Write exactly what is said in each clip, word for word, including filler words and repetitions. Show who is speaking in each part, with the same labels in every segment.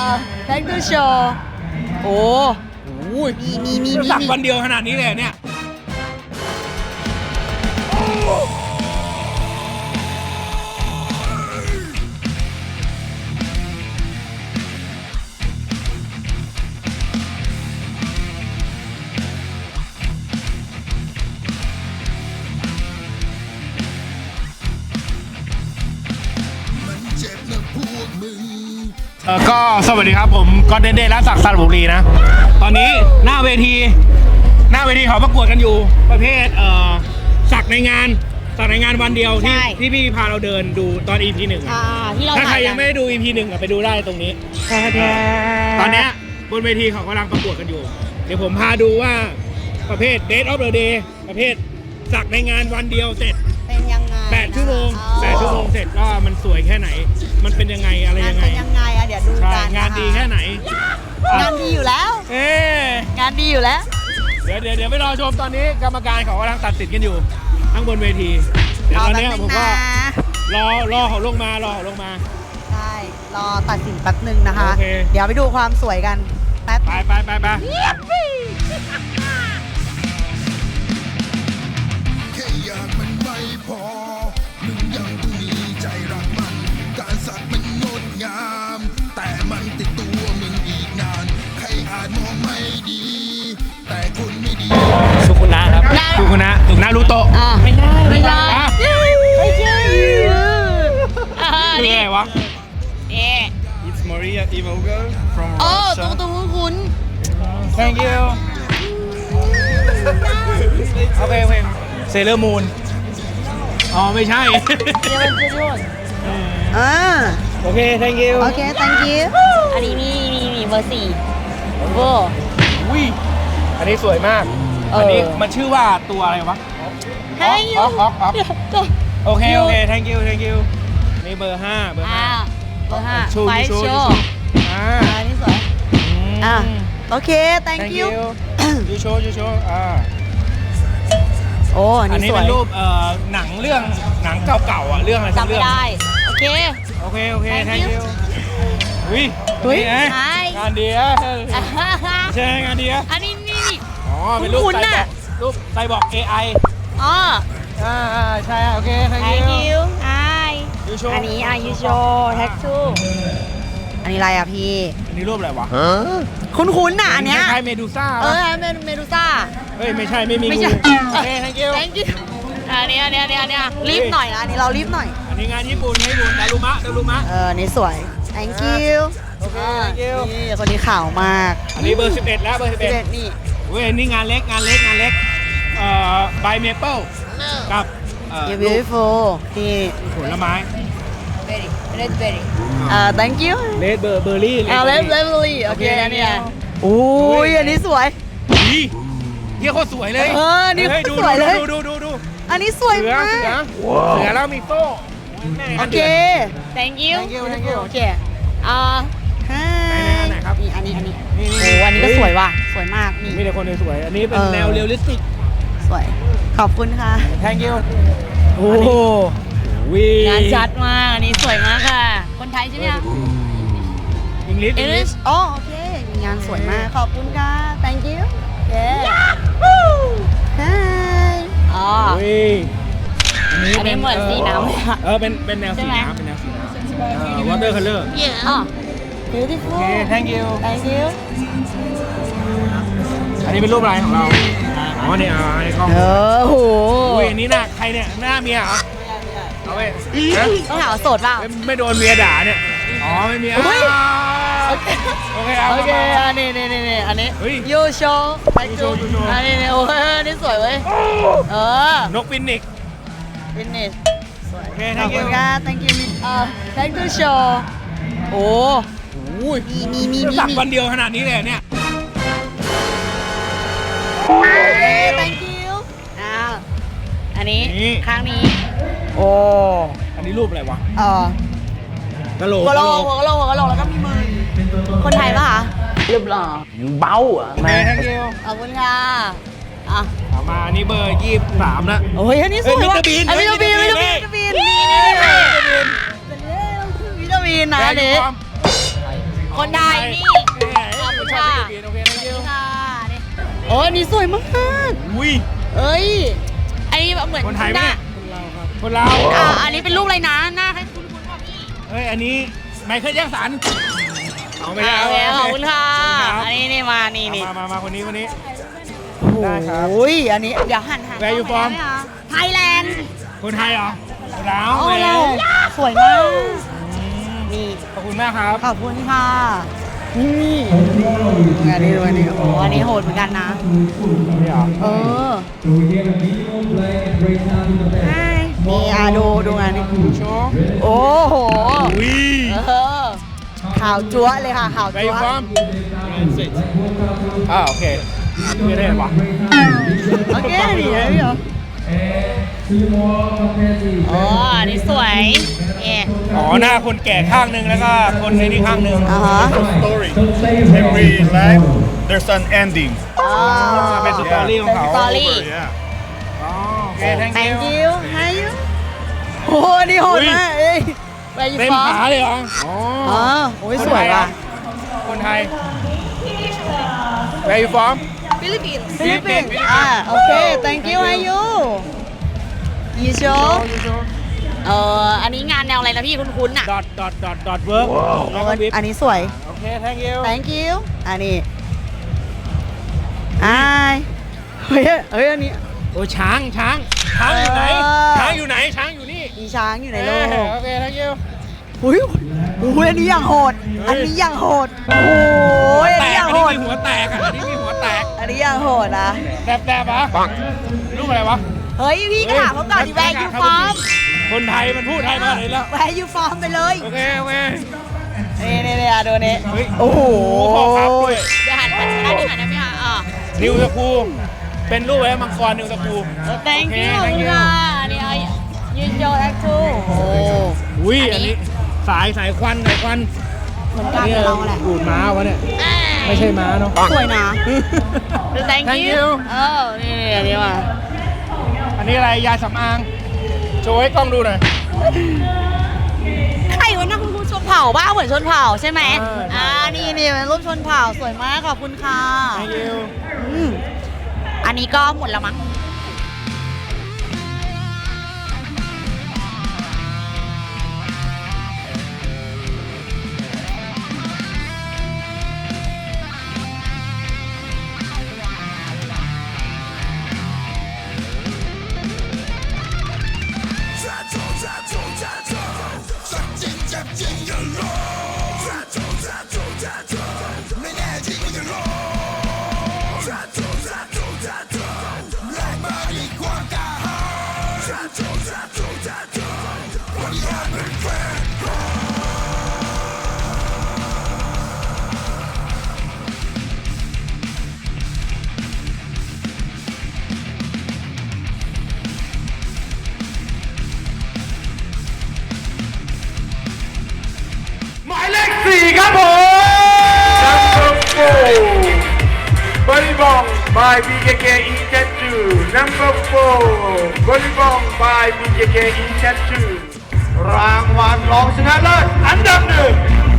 Speaker 1: อ thank you show โอ้โหมีมีมีมี
Speaker 2: สักวันเดียวขนาดนี้เลยเนี่ยเออก็สวัสดีครับผมก็เดนเดนและศักดิ์สระบุรีนะตอนนี้หน้าเวทีหน้าเวทีเขาประกวดกันอยู่ประเภทเอ่อสักในงานสักในงานวันเดียวที่ที่พี่พาเราเดินดูตอน อี พี หนึ่ง
Speaker 1: อ่าที่เรา
Speaker 2: ถ้าใครยังไม่ได้ดู อี พี หนึ่งไปดูได้ตรงนี้ตอนนี้บนเวทีเขากำลังประกวดกันอยู่ เดี๋ยวผมพาดูว่าประเภท Date of the Day ประเภทสักในงานวันเดียวเสร็จ
Speaker 1: เป็นยังไง
Speaker 2: แปดชั่วโมงแปดชั่วโมงเสร็จก็มันสวยแค่ไหนมันเป็นยังไงอะไรยังไง
Speaker 1: เป็นยังไงอะเดี๋ยวดูกัน
Speaker 2: งานดีแค่ไหน
Speaker 1: งานดีอยู่แล้ว
Speaker 2: เอ๊
Speaker 1: งานดีอยู่แล้ว
Speaker 2: เดี๋ยวเดี๋ยวเดี๋ยวไปรอชมตอนนี้กรรมการเขากำลังตัดสินกันอยู่ข้างบนเวทีเดี๋ยวตอนนี้ผมก็รอรอเขาลงมารอเขาลงมา
Speaker 1: ใช่รอตัดสินแป๊บหนึ่งนะคะ
Speaker 2: โอเค
Speaker 1: เดี๋ยวไปดูความสวยกันแป๊บ
Speaker 2: ไปไปไปไป
Speaker 3: แค่อยากมันไม่พอมึงยังต้องมีใจรักมันการสักมันงดงามแต่มันติดตัวมึงอีกนานใครอาจมองไม่ดีแต่คนไม่ดี
Speaker 2: สุขุนะครับสุขุนะสุขุนะรูโตะ
Speaker 1: ไม่ได้ไม่ได้ไม่ใช่
Speaker 2: คืออะไรวะ
Speaker 1: เอ๊ะ
Speaker 4: It's Maria Ivogo from
Speaker 1: โอ้
Speaker 4: Russia
Speaker 1: ตัวตัวคุ้น
Speaker 2: Thank you โอเคเพลงเซเลอร์มูนอ๋อไม่ใช่
Speaker 1: เดี๋ยวมันจะด้วยอ่า
Speaker 2: โอเค thank you
Speaker 1: โอเค thank you อันนี้มีมีมีเบอร์สี่เบอร์
Speaker 2: อุ้ยอันนี้สวยมากอันนี้มันชื่อว่าตัวอะไรวะ
Speaker 1: Thank you
Speaker 2: ออกออกออกโอเคโอเค thank you thank you นี่เบอร์ห้าเบอร์ห้า
Speaker 1: เบอร์ห้า
Speaker 2: ชูชูชูอ่า
Speaker 1: อันนี้สวยอ่าโอเค thank you
Speaker 2: ยูโชยูโชอ่า
Speaker 1: โอ้อันนี้สวย
Speaker 2: อันนี้เป็นรูปเอ่อหนังเรื่องหนังเก่าๆอ่ะเรื่องอะไรสักเรื่อง
Speaker 1: จำไม่ได้โอเค
Speaker 2: โอเคโอเค thank you อุ้ย
Speaker 1: อุ้ย
Speaker 2: งานดีอ่ะใช่งานดีอ่ะ
Speaker 1: อันนี้นี่
Speaker 2: อ๋อเป็นรูปไซบอร์กรูปไซบอร์ก เอ ไอ
Speaker 1: อ๋อ
Speaker 2: อ่าใช่โอเค thank
Speaker 1: you ไอ
Speaker 2: ยูโช
Speaker 1: อันนี้อ่ะยูโชแท็กทูอันนี้อะไรอ่ะพี่
Speaker 2: อันนี้รูปอะไรวะ
Speaker 1: คุ้นๆน่ะอันเนี้ย
Speaker 2: คล้ายเมดูซ่า
Speaker 1: เออเมดูซ่า
Speaker 2: เฮ้ยไม่ใช่ไม่มี
Speaker 1: ไม่ใช่
Speaker 2: โอเค thank you
Speaker 1: thank you อันนี้อันนี้อันนี้อันนี้รีบหน่อยนะอันนี้เรารีบหน่อย
Speaker 2: อันนี้งานญี่ปุ่นญี่ปุ่นดารุมะดารุมะ
Speaker 1: เออนี่สวย thank you
Speaker 2: โอเค thank you
Speaker 1: นี่คนนี้ข่าวมาก
Speaker 2: อันนี้เบอร์สิบเอ็ดแล้วเบอร์สิบเอ็ด
Speaker 1: นี่
Speaker 2: เว้ยนี่งานเล็กงานเล็กงานเล็กเอ่อใบเมเปิลกับเอ่อ
Speaker 1: beautiful นี่
Speaker 2: ผลไม้
Speaker 1: berry red berry อ่า thank you
Speaker 2: เลดเบอร์เบอร์รี่
Speaker 1: อ่า red berry โอเคอันนี้โอ้ยอันนี้สวย
Speaker 2: ดีเฮียโคตรสวยเลย
Speaker 1: เออนี่สวยเลย
Speaker 2: ดูดูดูดู
Speaker 1: อันนี้สวยมาก
Speaker 2: เสือเสือแล้วมีโต้
Speaker 1: โอเค thank you
Speaker 2: thank you thank you
Speaker 1: โอเคอ่า
Speaker 2: ไหนครับ
Speaker 1: นี่อันนี้อันนี้โอ้อันนี้ก็สวยว่ะสวยมากนี่
Speaker 2: มีแต่คนสวยอันนี้เป็นแนวเรียลลิสติก
Speaker 1: สวยขอบคุณค่ะ
Speaker 2: thank you โอ้โห
Speaker 1: งานชัดมากอันนี้สวยมากค่ะคนไทยใช่ไหมคะ
Speaker 2: อังกฤษอังกฤษ
Speaker 1: อ๋อโอเคงานสวยมากขอบคุณค่ะ thank you เย้อ๋ออันนี้เหมือนสีน้ำ
Speaker 2: เออเป็นเป็นแนวสีน้ำเป็นแนวสีน้ำ water color
Speaker 1: อ๋อ beautiful
Speaker 2: โอเค thank you
Speaker 1: thank you
Speaker 2: อันนี้เป็นรูปอะไรของเราอ๋อเนี่ยอันนี้กล้อง
Speaker 1: เออโห
Speaker 2: อุ้ยอันนี้หน้าใครเนี่ยหน้าเมียเหรอเอาไป
Speaker 1: ต้องถามว่าโสดเปล่า
Speaker 2: ไม่โดนเมียด่าเนี่ยอ๋อไม่มีอ่ะโอเคโอเค
Speaker 1: โอเคอันนี้นี่นี่อันนี้ยูโชยูโชยูโชอันนี้โอ้ยนี่สวยเว้ยเออน
Speaker 2: กฟินิก
Speaker 1: ฟินิชสวย
Speaker 2: โอเค
Speaker 1: thank you thank you เอ่อ thank you show โอ้
Speaker 2: โหมีมีมีสักวันเดียวขนาดนี้เลยเนี่ย
Speaker 1: โอเค thank you อ้าวอันนี้ข้างนี้
Speaker 2: โอ้อันนี้รูปอะไรวะ
Speaker 1: เอ
Speaker 2: อกะโหลก
Speaker 1: กะโหลกกะโหลกกะโหลกแล้วก็มีมือคนไทยป่ะคะ
Speaker 4: เรียบร้อยเบาอ่ะ
Speaker 2: แม่ทั้งเดียว
Speaker 1: ขอบคุณค่ะอ่ะ
Speaker 2: เอามาอันนี้เบอร์ยี่สิบสามแล้ว
Speaker 1: โอ้ยอันนี้สวยว่ะอันนี้วิตามินวิตามินวิตามินวิตามินวิตามินนะเด็กคนไทยนี่ ขอบคุณค่ะ
Speaker 2: ชอบฟิลิปปินส์โอเค thank you
Speaker 1: ค่ะนี่โอ้อันนี้สวยมาก
Speaker 2: อุ้ย
Speaker 1: เอ้ย อันนี้แบบเหมือน
Speaker 2: คนไทยไหม
Speaker 1: หน้า
Speaker 2: เนี่ยคนเรา
Speaker 1: อ่าอันนี้เป็นรูปอะไรนะ หน้าให้คุณคุณพ่อพี่
Speaker 2: เฮ้ย อันนี้ไมเคิลแจ็คสันเอาไม่ได้
Speaker 1: โอเคขอบคุณค่ะ
Speaker 2: ขอบ
Speaker 1: อัน
Speaker 2: ณ
Speaker 1: นี้นี่มา นี่
Speaker 2: ครับ
Speaker 1: นี่
Speaker 2: มามามาคนนี้คนนี้
Speaker 1: ได้ครับโอ้ย อันนี้ เดี๋ยวหันหัน
Speaker 2: Where you from?
Speaker 1: ไทยแลนด์
Speaker 2: คนไทยเหรอคนลาว
Speaker 1: โอ้
Speaker 2: แหม
Speaker 1: เราสวยมาก นี่
Speaker 2: ขอบคุณมากครับ
Speaker 1: ขอบคุณค่ะ นี่งานนี้ด้วยนี่โอ้อันนี้โหดเหมือนกันนะ
Speaker 2: นี่เหรอ
Speaker 1: เออใช่นี่อ่ะดูดูงานนี้โอ้โห
Speaker 2: อุ้ย
Speaker 1: เออข่าวจั๊วะเลยค่ะข่าว
Speaker 2: Where
Speaker 1: จั๊
Speaker 2: you
Speaker 1: วะ
Speaker 2: from อ่าโอเคไม่ได้ปะ
Speaker 1: โอเคดีนะพี่เหรออ๋ออันนี้สวยเนี่ย
Speaker 2: อ๋อหน้าคนแก่ข้างหนึงแล้วก็คนในนี่ข้างหนึง
Speaker 1: อ่าฮะ
Speaker 4: Story. Every life, there's an ending.
Speaker 1: อ๋อ
Speaker 2: เป็นสตอรี่ของเขา
Speaker 1: สตอรี่
Speaker 4: Over, yeah.
Speaker 2: อ๋อโอเค thank
Speaker 1: thank
Speaker 2: you
Speaker 1: you how you โอ้โหนี่โหดมากเอ้ยไปยู
Speaker 2: เต็ม
Speaker 1: ฟอ
Speaker 2: ขาเลยเหรออ๋อ
Speaker 1: อ๋อโอ้ยสวยว่ะ
Speaker 2: คนไทย Where you from
Speaker 1: ฟิลิปปินส์ฟิลิปปินส์อ่าโอเค thank you how you you show เอ่ออันนี้งานแนวอะไรนะพี่คุ้นๆอ่ะ
Speaker 2: dot dot dot dot work แล้วก็วิบ
Speaker 1: อันนี้สวย
Speaker 2: โอเค thank you
Speaker 1: thank you อันนี้อายเฮ้ยเฮ้ยอันนี้
Speaker 2: โอ้ช้างช้างช้างอยู่ไหน
Speaker 1: เออ
Speaker 2: ช้างอยู่ไหนช้างอยู่นี่
Speaker 1: มีช้างอยู่ในโลก
Speaker 2: เออโอเค thank you
Speaker 1: อุ้ยอุ้ยอันนี้อย่างโหด อันนี้อย่างโหด โอ้ยอัน
Speaker 2: แต
Speaker 1: นี้
Speaker 2: ก
Speaker 1: อย่าง
Speaker 2: อัน
Speaker 1: โห
Speaker 2: นี้
Speaker 1: ด
Speaker 2: มีหัวแตกอ่ะอันนี้มีหัวแตก
Speaker 1: อันนี้อย่างโหดนะ
Speaker 2: แดบแดบปะรูปอะไรวะ
Speaker 1: เฮ้ยพี่ก็ถามเขาก่อนดิแวร์ยูฟอร์ม
Speaker 2: คนไทยมันพูดไทยมาเลยแล้ว
Speaker 1: แวร์ยูฟอร์มไปเลย
Speaker 2: โอเคโอเค
Speaker 1: นี่นี่นี่อ่ะดูนี่
Speaker 2: เฮ้ย
Speaker 1: โอ้โห
Speaker 2: พอครับด้วย
Speaker 1: เดี๋ยวหันหันหน้าที่หันได้ไหมคะอ่ะ
Speaker 2: นิวตะคูเป็นรูปไว้มังกรนิวตะคู
Speaker 1: thank
Speaker 2: โอเค
Speaker 1: you
Speaker 2: thank you
Speaker 1: ค่ะนี่ไอ้ยืนโยแอคทูโอ้
Speaker 2: อุ้ยอันนี้สายสายควันสายควัน
Speaker 1: เหมือนกันกับเราแหละ
Speaker 2: ดูดม้าวะเนี่ยไม่ใช่ม้าเนาะ
Speaker 1: สวยนะ thank
Speaker 2: Thank
Speaker 1: you
Speaker 2: you
Speaker 1: เออนี่นี่อันนี้มา
Speaker 2: อันนี้อะไรยาสำอางโชว์ให้กล้องดูหน่อย
Speaker 1: ใครวะนะคุณครูชนเผ่าบ้าเหมือนชนเผ่าใช่ไหม
Speaker 2: เออใช่
Speaker 1: อ่านี่นี่เป็นรูปชนเผ่าสวยมากขอบคุณค่ะ
Speaker 2: thank you
Speaker 1: อืมอันนี้ก็หมดแล้วมั้ง
Speaker 2: หมายเลขสี่ครับผม
Speaker 5: Number four, Volleyball by บี เค เค in Chat two. Number four, Volleyball by บี เค เค in Chat two. รางวัลรองชนะเลิศอันดับหนึ่ง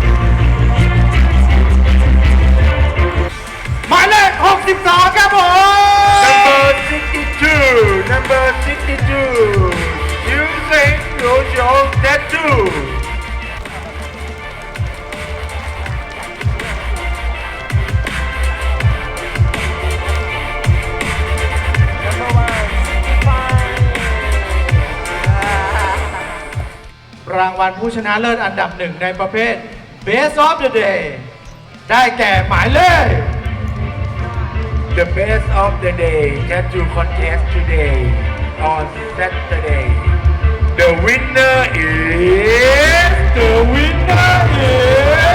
Speaker 5: หมายเลขหกสิบสองครับผม Number sixty-two, Number sixty-two, Yusei Rojo Tattoo. Number one, fifty-five. รางวัลผู้ชนะเลิศอันดับหนึ่งในประเภท Best of the Day ได้แก่หมายเลข The Best of the Day Tattoo Contest today on Saturday. The winner is The winner is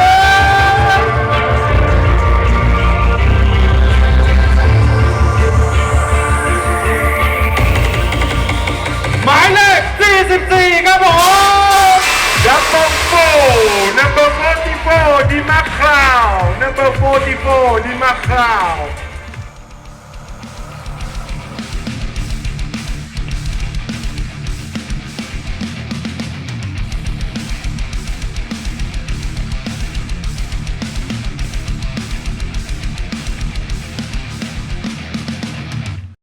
Speaker 5: หมายเลขสี่สิบสี่ครับผม Number four Number forty-four ดีมาคลาว Number forty-four ดีมาคลาว